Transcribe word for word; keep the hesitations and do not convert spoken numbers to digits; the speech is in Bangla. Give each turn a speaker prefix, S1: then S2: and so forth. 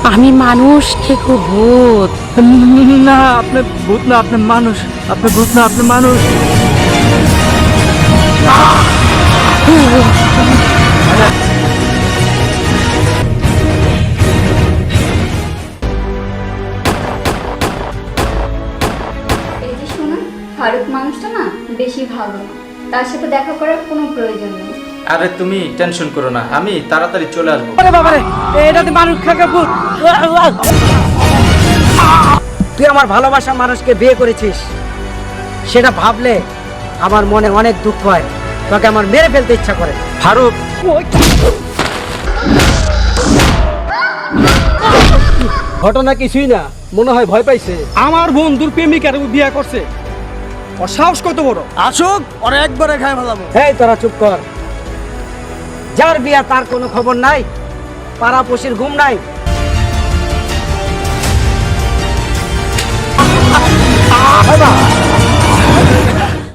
S1: আমি মানুষ থেকে ভূত।
S2: না আপনি ভূত না, আপনি মানুষ। আপনি ভূত না, আপনি মানুষ।
S3: এই যে শোনো, ফারুক মানুষটা না বেশি ভালো না, তার সাথে দেখা করার কোনো প্রয়োজন নেই।
S4: আরে তুমি টেনশন করো না, আমি তাড়াতাড়ি চলে আসবো।
S2: আরে বাবারে, এটাতে মানুষ খাকে ভূত।
S5: তুই আমার ভালোবাসা মানুষকে বিয়ে করেছিস, সেটা ভাবলে আমার মনে অনেক দুঃখ হয়। তোকে আমার মেরে ফেলতে ইচ্ছা করে।
S4: ফারুক,
S2: ঘটনা কিছুই না, মনে হয় ভয় পাইছে। আমার বন্ধুর প্রেমিকার বিয়ে করছে। ওর সাহস কত বড়! আসুক, ওরা একবারে খায় ফেলাবো।
S5: এই তোরা চুপ কর। যার বিয়া তার কোনো খবর নাই, পাড়াপড়শির ঘুম নাই,